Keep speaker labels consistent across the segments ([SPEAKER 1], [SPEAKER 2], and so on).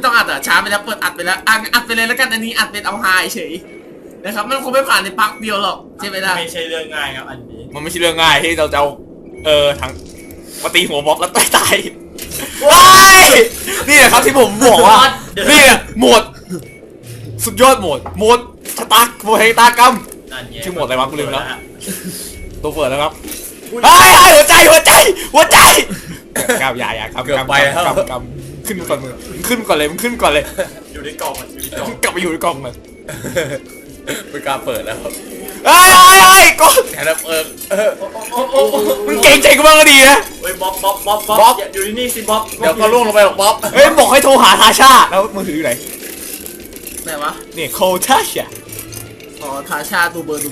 [SPEAKER 1] ต้องอัดอ่ะช้าไปแล้วเปิดอัดไปแล้วอัดไปเลยแล้วกันอันนี้อัดเป็นเอาฮาเฉยนะครับมันคงไม่ผ่านในปักเดียวหรอกใช่ไหมล่ะ
[SPEAKER 2] ไม่ใช่เรื่องง่ายครับอันนี้
[SPEAKER 3] มันไม่ใช่เรื่องง่ายที่เราจะเอาทั้งมาตีหัวบ๊อบแล้วตายว้ายนี่แหละครับที่ผมบอกว่านี่แหละโหมดสุดยอดโหมดชะตาโหมดแห่งตากรรมชื่อโหมดอะไรวะกูลืมแล้วตัวเปิดแล้วครับเฮ้ยหัวใจกำอย่ากำขึ้นก่อนมึงขึ้นก่อนเลย
[SPEAKER 2] อยู่ในกล่องมันอยู่ในกล่อง
[SPEAKER 3] กลับไปอยู่ในกล่องมัน
[SPEAKER 4] ไม่กล้าเปิดแล้ว
[SPEAKER 3] เฮ้ยก็
[SPEAKER 4] แค่นั้น
[SPEAKER 3] มึงเก่งใจกูบ้างก็ดีนะ
[SPEAKER 2] เฮ้ยบ๊อบอยู่นี่สิบ๊อบ
[SPEAKER 4] เดี๋ยวก็ล่วงลงไปหรอกบ๊อบ
[SPEAKER 3] เฮ้ยบอกให้โทรหาทาชาแล้วมือถืออยู่ไหน
[SPEAKER 1] วะ
[SPEAKER 3] เนี่ยโคทาชา
[SPEAKER 1] อ๋อทาชาดูเบอร์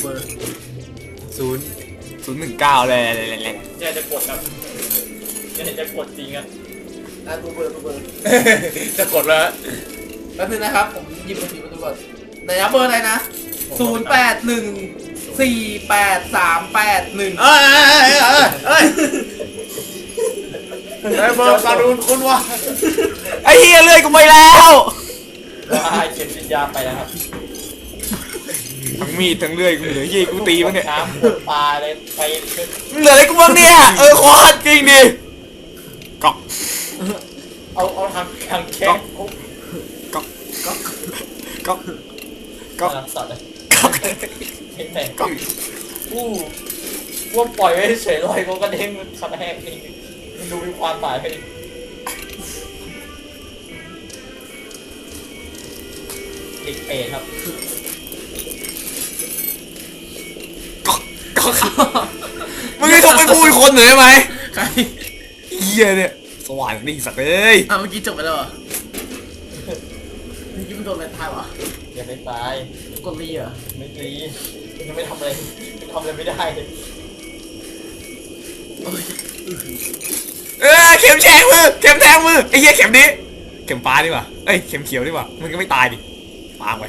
[SPEAKER 3] 019เลย
[SPEAKER 2] เนี่ยจะกดครับเนี่ยจะกดจริงอ่ะ
[SPEAKER 1] ดูเบอร์
[SPEAKER 4] จะกดแล้ว
[SPEAKER 1] แป๊บนึงนะครับผมหยิบมือถือมาดูก่อนไหนนะเบอร์อะไรนะ08148381
[SPEAKER 4] เบอร์การุณคุณวะ
[SPEAKER 3] ไอ้เฮียเลื่อยกูไปแล้ว
[SPEAKER 2] เข็มฉีดยาไปแล้วครับ
[SPEAKER 3] ทั้งมีดทั้งเลื่อยกูเหลือยี่กูตีมั้งเนี่ย
[SPEAKER 2] น้ำปวดปลาเลยไป
[SPEAKER 3] เหลืออะไรกูบ้างเนี่ยโคตรจริงดิก๊อก
[SPEAKER 2] เอาทางแข้งก๊อกสัตว์เลยก๊อกว่าปล่อยไว้เฉยลอยก็กระเด้งมันกระแทกนี่มันดูมีความหมายไปติดเปรตครับ
[SPEAKER 3] ก็มึงให้ทบไปพูดคนหน่อยไหม
[SPEAKER 1] ใคร
[SPEAKER 3] เฮียเนี่ยสว่างดีสักเลย
[SPEAKER 1] เมื่อกี้จบไปแล้วเหรอเมื่อกี้มันโดนอะไรตายวะ
[SPEAKER 2] ยังไม่ตาย
[SPEAKER 1] กดรีเหรอ
[SPEAKER 2] ไม่รียังไม่ทำอะไรไม่ได้
[SPEAKER 3] เข็มแทงมือไอ้เหี้ยเข็มนี้เข็มฟ้าดีกว่าเข็มเขียวดีกว่ามันก็ไม่ตายดิปางไป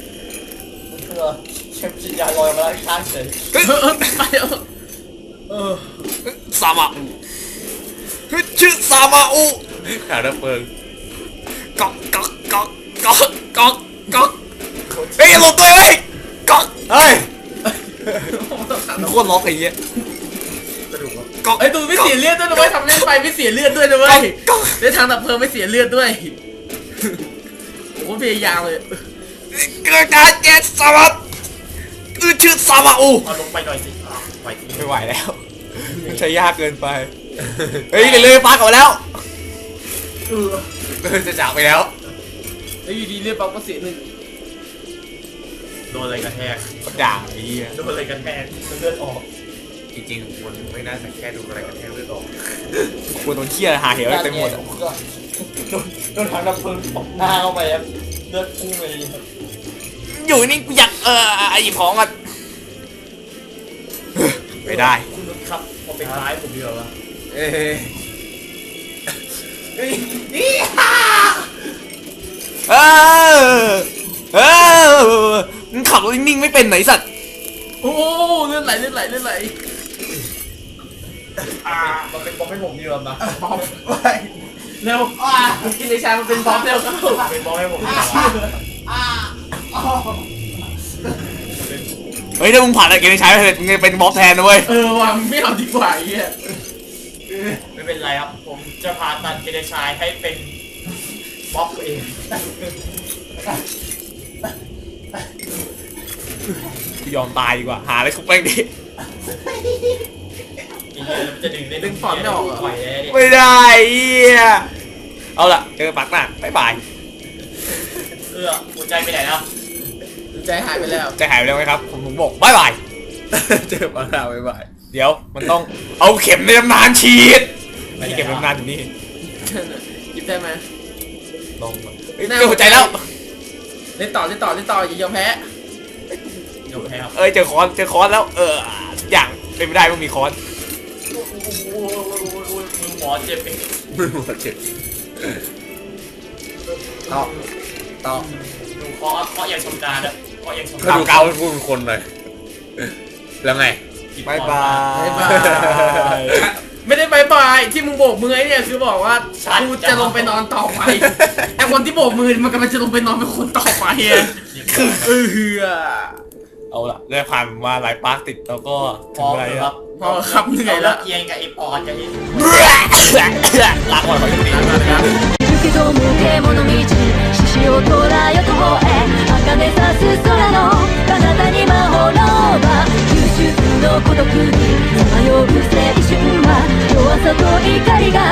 [SPEAKER 2] เข็มฉีดยาลอยมาแล้วข้างเฉย
[SPEAKER 1] ไป
[SPEAKER 3] ซามาอุชื่อซามาอุ
[SPEAKER 4] ขาดับเพลิง
[SPEAKER 3] ก๊อกเฮ้ยหลบตัวเลยก๊อกเฮ้ยโคตรล็อกไอ้เหี้ย
[SPEAKER 1] ก๊อกดูไม่เสียเลือดด้วยนะเว้ยทำเล่นไปไม่เสียเลือดด้วยนะเว้ยในทางดับเพลิงไม่เสียเลือดด้วยโอ้โหพยายามเลย
[SPEAKER 3] เกิดการแกสซามาชื่อซามาอุ
[SPEAKER 2] เอาลงไปหน่อยสิ
[SPEAKER 3] ไม่ไหวแล้วมันใช้ยากเกินไปเฮ้ยเลยปากออกแล้ว
[SPEAKER 4] จะจากไปแล้ว
[SPEAKER 1] แล้วอยู่ดีเลือดปั๊บก็เสียหนึ่ง
[SPEAKER 2] โดนอะไรกระแทก
[SPEAKER 3] ด่าไอ้เหี้ย
[SPEAKER 2] โดนอะไรกระแทกเลือดออก
[SPEAKER 4] จริงๆควรไม่น่าจะแค่ดูอะไรกระแทกเลือดออก
[SPEAKER 3] ควรโดนเชี่ยหาเหวเต็มหมด
[SPEAKER 2] โดนทางดับเพลิงตบหน้าเข้าไปครับเลือดพุ่งเลย
[SPEAKER 3] อยู่นี่กูอยากหยิบของกันไม่ได้
[SPEAKER 2] คุณนุชครับพอเป็นร้ายผมเดียวละ
[SPEAKER 3] มึงขับรถนิ่งๆไม่เป็นไหนสัตว์
[SPEAKER 1] โอ้เลื่อนไหล
[SPEAKER 2] มันเป็นบอมให้ผมดีกว่ามา
[SPEAKER 1] บอมเร็วกินในชามันเป็นบอมเร็วครับ
[SPEAKER 2] เป็นบอมให้ผม
[SPEAKER 3] เฮ้ยถ้ามึงผ่านอะไรกินในชาไปมึงเป็นบอสแทนนะเว้ย
[SPEAKER 1] ว่ะไม่เอาดีกว่าไอ้เหี้ย
[SPEAKER 2] ไม่เป็นไรครับผมจะพาตัดเกเรชายให้เป็นบล็อกตัวเอง
[SPEAKER 3] กูยอมตายดีกว่าหาอะไรคุกแป้งดิ
[SPEAKER 2] จะดึงฟอนไม่ออก
[SPEAKER 3] ไม่ได้เหี้ยเอาล่ะเจอปักหน้าบ๊ายบาย
[SPEAKER 2] หัวใจไปไหนแล้ว
[SPEAKER 1] ใจหายไปแล้ว
[SPEAKER 3] ไหมครับผมบอกบ๊ายบาย
[SPEAKER 4] เจอปักหน้าบ๊ายบาย
[SPEAKER 3] เดี๋ยวมันต้องเอาเข็มในตำนานฉีดนี่เข็มในตำนานอยู่นี่
[SPEAKER 1] หยิบได้ไหม
[SPEAKER 3] ลงเจอหัวใจแล้ว
[SPEAKER 1] เล่นต่ออย่ายอมแพ้
[SPEAKER 2] ครับ
[SPEAKER 3] เจอคอนแล้วอย่างเป็นไม่ได้มันมีคอน
[SPEAKER 2] มือหมอเจ็บ
[SPEAKER 4] ต่อ
[SPEAKER 2] ดูเคาะอย่างชำนาญนะเคาะอย่างชำนาญ
[SPEAKER 4] ดูเกาให้พูดเป็นคนเลยแล้วไง
[SPEAKER 3] บายบาย
[SPEAKER 1] ไม่ได้บายายบายที่มึงโบกมือไอ้เนี่ยคือบอกว่ากูจะลงไปนอนต่อไปไอ้คนที่โบกมือมันกำลังจะลงไปนอนเป็นคนต่อไป
[SPEAKER 3] เอาล่ะได้ผ่านมาหลายปาร์คติดแล้วก็
[SPEAKER 2] พ
[SPEAKER 3] ถึ
[SPEAKER 2] อง
[SPEAKER 3] เวลา
[SPEAKER 2] ค
[SPEAKER 3] แล้
[SPEAKER 2] รั
[SPEAKER 3] ว
[SPEAKER 2] บ
[SPEAKER 1] พอครับเหนื่อยแล้ว
[SPEAKER 2] เอียงกับไอ้ปอนกันนี่
[SPEAKER 3] ลาก่อนก่อนจะดี
[SPEAKER 5] けども獣道獅子を捉えよと方へ茜さす空の彼方に魔法の輪九州の孤独にさまよう青春は弱さと怒りが